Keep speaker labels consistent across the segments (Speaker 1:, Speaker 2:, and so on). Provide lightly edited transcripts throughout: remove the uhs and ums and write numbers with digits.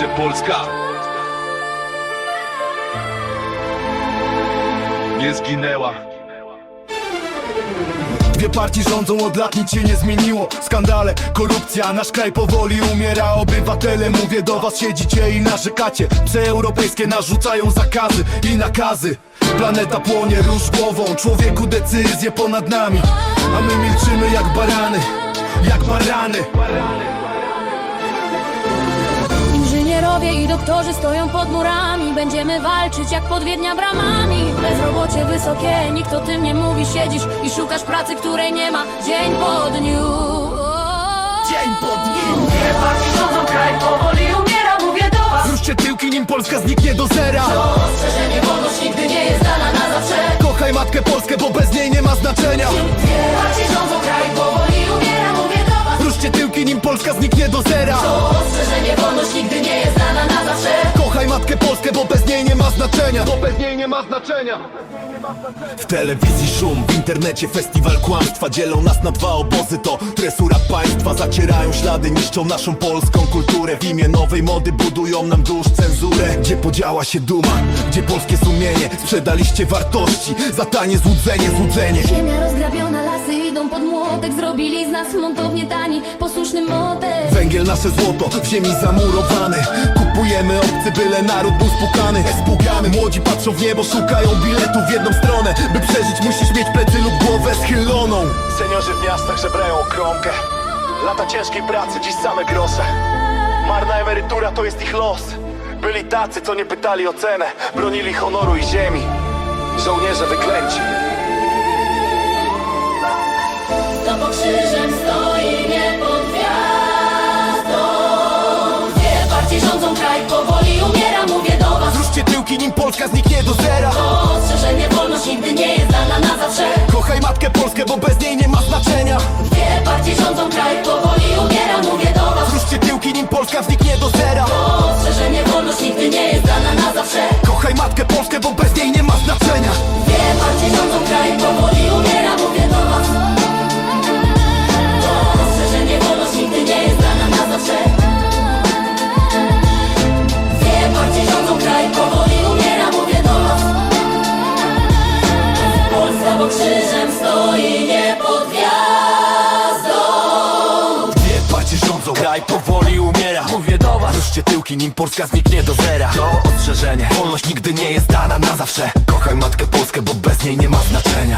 Speaker 1: Polska nie zginęła.
Speaker 2: Dwie partie rządzą od lat, nic się nie zmieniło. Skandale, korupcja, nasz kraj powoli umiera. Obywatele, mówię do was, siedzicie i narzekacie. Psy europejskie narzucają zakazy i nakazy. Planeta płonie, rusz głową, człowieku decyzje ponad nami. A my milczymy jak barany, jak barany.
Speaker 3: Inżynierowie i doktorzy stoją pod murami. Będziemy walczyć jak pod Wiednia bramami. Bezrobocie wysokie, nikt o tym nie mówi. Siedzisz i szukasz pracy, której nie ma. Dzień po dniu.
Speaker 2: Dzień po dniu.
Speaker 3: Dwie partie rządzą, kraj powoli umiera. Mówię do was,
Speaker 2: Zruszcie tyłki, nim Polska zniknie do zera.
Speaker 3: to ostrzeżenie, wolność nigdy nie jest dana na zawsze.
Speaker 2: Kochaj matkę Polskę, bo bez niej nie ma znaczenia.
Speaker 3: Dwie partie rządzą, kraj powoli umiera. Mówię do was,
Speaker 2: Zruszcie tyłki, nim Polska zniknie do zera.
Speaker 3: to ostrzeżenie, wolność nigdy nie jest dana na zawsze.
Speaker 2: Kochaj matkę Polskę, bo bez niej nie ma znaczenia. Bo bez niej nie ma znaczenia. W telewizji szum, w internecie festiwal kłamstwa. Dzielą nas na dwa obozy, to tresura państwa. Zacierają ślady, niszczą naszą polską kulturę. W imię nowej mody budują nam dusz cenzurę. Gdzie podziała się duma, gdzie polskie sumienie? Sprzedaliście wartości za tanie złudzenie, złudzenie.
Speaker 3: Ziemia rozgrabiona, lasy idą pod młotek. Zrobili z nas montownie tani, posłuszny motek.
Speaker 2: Węgiel nasze złoto, w ziemi zamurowany. Kupujemy obcy, byle naród był spukany. Spłukany, młodzi patrzą w niebo, szukają biletu w jedną stronę. By przeżyć musisz mieć plecy lub głowę schyloną. Seniorzy w miastach żebrają o kromkę. Lata ciężkiej pracy, dziś same grosze. Marna emerytura to jest ich los. Byli tacy, co nie pytali o cenę. Bronili honoru i ziemi. Żołnierze wyklęci.
Speaker 3: To pod krzyżem stoi nie pod gwiazdą. Dwie partie rządzą, kraj powoli umiera. Mówię do was,
Speaker 2: Zruszcie tyłki, nim Polska zniknie do zera.
Speaker 3: to ostrzeżenie, wolność nigdy nie jest dana na zawsze.
Speaker 2: Kochaj matkę Polskę, bo bez niej nie ma znaczenia.
Speaker 3: Dwie partie rządzą, kraj powoli umiera. Mówię do was,
Speaker 2: Zruszcie tyłki, nim Polska zniknie do zera.
Speaker 3: to ostrzeżenie, wolność nigdy nie jest dana na zawsze.
Speaker 2: Kochaj matkę Polskę, bo bez niej nie ma znaczenia.
Speaker 3: Dwie partie rządzą, kraj powoli umiera. Mówię do was, to ostrzeżenie, wolność nigdy nie jest dana na zawsze. Dwie partie rządzą, kraj powoli umiera. Mówię do was, Polska pod krzyżem stoi nie pod gwiazdą.
Speaker 2: Dwie partie rządzą, kraj powoli umiera. Mówię do was, ruszcie tyłki, nim Polska zniknie do zera. To ostrzeżenie, wolność nigdy nie jest dana na zawsze. Kochaj matkę Polskę, bo bez niej nie ma znaczenia.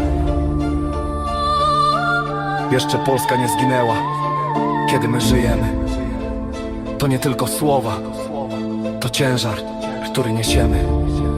Speaker 2: Jeszcze Polska nie zginęła, kiedy my żyjemy. To nie tylko słowa, to ciężar, który niesiemy.